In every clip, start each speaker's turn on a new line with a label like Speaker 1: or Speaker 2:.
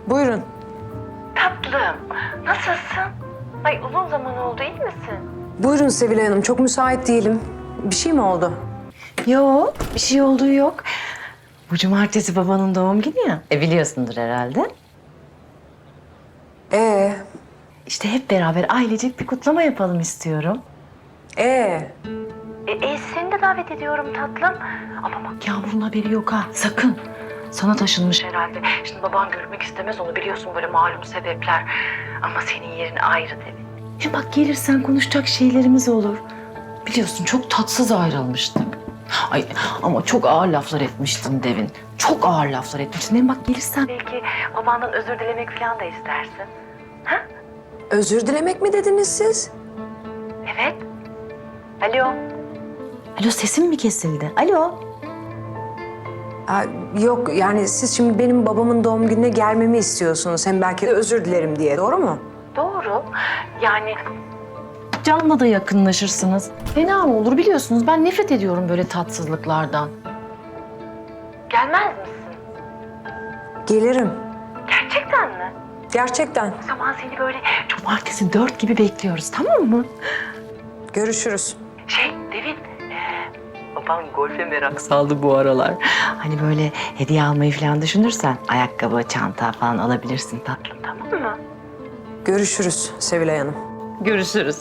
Speaker 1: Buyurun.
Speaker 2: Tatlım, nasılsın? Ay uzun zaman oldu, iyi misin?
Speaker 1: Buyurun Sevilay Hanım. Çok müsait değilim. Bir şey mi oldu?
Speaker 2: Yok, bir şey olduğu yok. Bu cumartesi babanın doğum günü ya. Biliyorsundur herhalde. İşte hep beraber ailecek bir kutlama yapalım istiyorum. Seni de davet ediyorum tatlım. Ama bak Yağmur'un haberi yok ha, sakın. Sana taşınmış herhalde. Şimdi baban görmek istemez onu, biliyorsun böyle malum sebepler. Ama senin yerin ayrı tabii. Hem bak gelirsen konuşacak şeylerimiz olur. Biliyorsun çok tatsız ayrılmıştık. Ay ama çok ağır laflar etmiştin Devin. Çok ağır laflar etmiştin. Hem bak gelirsen belki babandan özür dilemek falan da istersin.
Speaker 1: Özür dilemek mi dediniz siz?
Speaker 2: Evet. Alo. Alo, sesim mi kesildi? Alo.
Speaker 1: Yok yani siz şimdi benim babamın doğum gününe gelmemi istiyorsunuz. Hem belki de özür dilerim diye. Doğru mu?
Speaker 2: Doğru. Yani Can'la da yakınlaşırsınız. Fena mı olur, biliyorsunuz ben nefret ediyorum böyle tatsızlıklardan. Gelmez misin?
Speaker 1: Gelirim.
Speaker 2: Gerçekten mi?
Speaker 1: Gerçekten.
Speaker 2: O zaman seni böyle cumartesi 4 gibi bekliyoruz, tamam mı?
Speaker 1: Görüşürüz.
Speaker 2: Devin, baban golfe merak saldı bu aralar. Hani böyle hediye almayı falan düşünürsen ayakkabı, çanta falan alabilirsin tatlım, tamam mı?
Speaker 1: Görüşürüz Sevilay Hanım.
Speaker 2: Görüşürüz.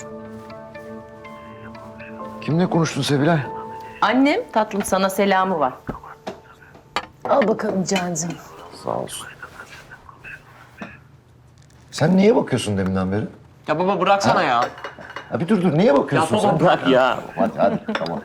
Speaker 3: Kimle konuştun Sevilay?
Speaker 2: Annem tatlım sana selamı var.
Speaker 1: Al bakalım Cancığım.
Speaker 3: Sağ olsun. Sen niye bakıyorsun deminden beri?
Speaker 4: Ya baba bıraksana ya.
Speaker 3: Ha bir dur niye bakıyorsun
Speaker 4: Ya
Speaker 3: sen?
Speaker 4: baba bırak ya.
Speaker 3: Hadi tamam.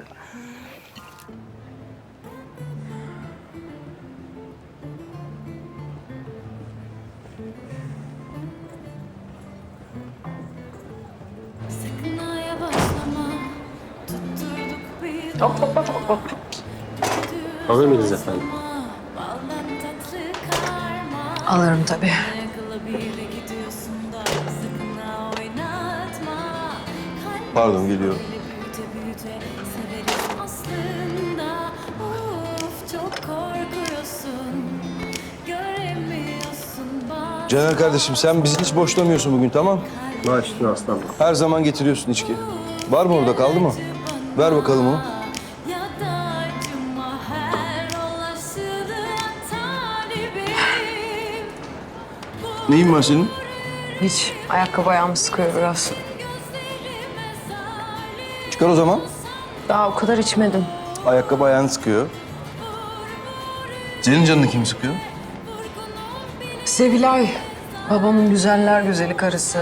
Speaker 4: Alır mıyız efendim?
Speaker 1: Alırım tabii.
Speaker 5: Pardon, geliyorum. Caner kardeşim, sen bizi hiç boşlamıyorsun bugün, tamam?
Speaker 4: Baş üstüne aslanım.
Speaker 5: Her zaman getiriyorsun içki. Var mı orada, kaldı mı? Ver bakalım onu. Neyin var senin?
Speaker 1: Hiç. Ayakkabı ayağımı sıkıyor biraz.
Speaker 5: Çıkar o zaman.
Speaker 1: Daha o kadar içmedim.
Speaker 5: Ayakkabı ayağını sıkıyor. Senin canını kim sıkıyor?
Speaker 1: Sevilay. Babamın güzeller güzeli karısı.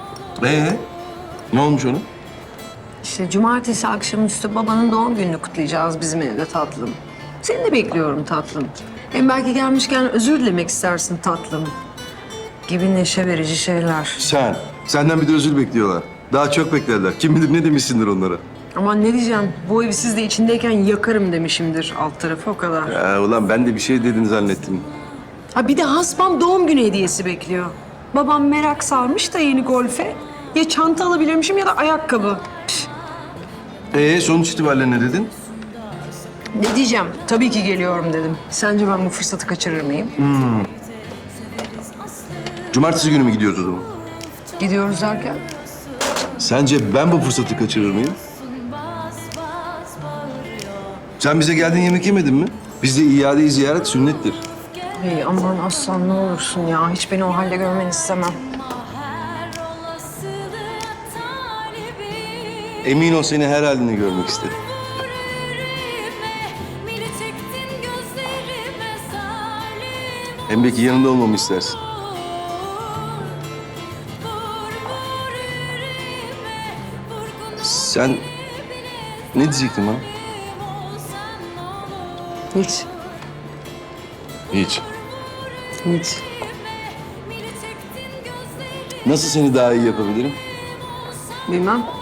Speaker 5: Ne olmuş onun?
Speaker 1: İşte cumartesi akşamüstü babanın doğum gününü kutlayacağız bizim evde tatlım. Seni de bekliyorum tatlım. Hem belki gelmişken özür dilemek istersin tatlım. Gibi neşe verici şeyler.
Speaker 5: Senden bir de özür bekliyorlar. Daha çok beklerler. Kim bilir ne demişsindir onlara.
Speaker 1: Aman ne diyeceğim, bu evi siz de içindeyken yakarım demişimdir alt tarafı o kadar.
Speaker 5: Ya ulan ben de bir şey dedin zannettim.
Speaker 1: Ha bir de hasbam doğum günü hediyesi bekliyor. Babam merak sarmış da yeni golfe. Ya çanta alabilirmişim ya da ayakkabı.
Speaker 5: Sonuç itibariyle ne dedin?
Speaker 1: Ne diyeceğim? Tabii ki geliyorum dedim. Sence ben bu fırsatı kaçırır mıyım?
Speaker 5: Cumartesi günü mü gidiyoruz o zaman?
Speaker 1: Gidiyoruz derken?
Speaker 5: Sence ben bu fırsatı kaçırır mıyım? Sen bize geldiğin yemek yemedin mi? Bizde iade-i ziyaret sünnettir.
Speaker 1: Hey aman aslan ne olursun ya. Hiç beni o halde görmeni istemem.
Speaker 5: Emin ol seni her halini görmek isterim. Hem belki yanında olmamı istersin. Sen ne diyecektin bana?
Speaker 1: Hiç.
Speaker 5: Hiç.
Speaker 1: Hiç.
Speaker 5: Nasıl seni daha iyi yapabilirim?
Speaker 1: Bilmem.